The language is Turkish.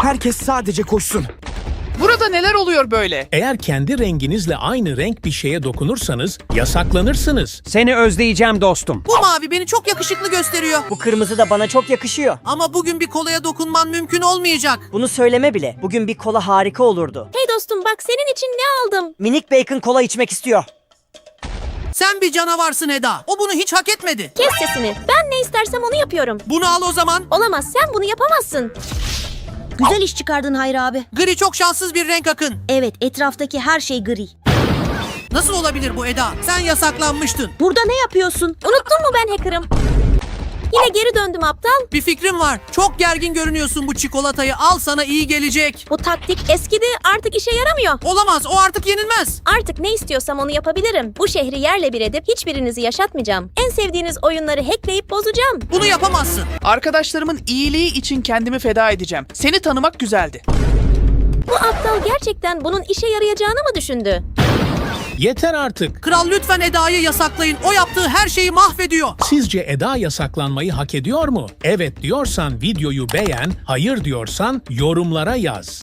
Herkes sadece koşsun. Burada neler oluyor böyle? Eğer kendi renginizle aynı renk bir şeye dokunursanız yasaklanırsınız. Seni özleyeceğim dostum. Bu mavi beni çok yakışıklı gösteriyor. Bu kırmızı da bana çok yakışıyor. Ama bugün bir kolaya dokunman mümkün olmayacak. Bunu söyleme bile. Bugün bir kola harika olurdu. Hey dostum bak senin için ne aldım? Minik bacon kola içmek istiyor. Sen bir canavarsın Eda. O bunu hiç hak etmedi. Kes sesini. Ben ne istersem onu yapıyorum. Bunu al o zaman. Olamaz sen bunu yapamazsın. Güzel iş çıkardın Hayri abi. Gri çok şanssız bir renk Akın. Evet, etraftaki her şey gri. Nasıl olabilir bu Eda? Sen yasaklanmıştın. Burada ne yapıyorsun? Unuttun mu ben hacker'ım? Yine geri döndüm aptal. Bir fikrim var. Çok gergin görünüyorsun, bu çikolatayı al, sana iyi gelecek. Bu taktik eskidi artık işe yaramıyor. Olamaz, o artık yenilmez. Artık ne istiyorsam onu yapabilirim. Bu şehri yerle bir edip hiçbirinizi yaşatmayacağım. En sevdiğiniz oyunları hackleyip bozacağım. Bunu yapamazsın. Arkadaşlarımın iyiliği için kendimi feda edeceğim. Seni tanımak güzeldi. Bu aptal gerçekten bunun işe yarayacağını mı düşündü? Yeter artık. Kral lütfen Eda'yı yasaklayın. O yaptığı her şeyi mahvediyor. Sizce Eda yasaklanmayı hak ediyor mu? Evet diyorsan videoyu beğen, hayır diyorsan yorumlara yaz.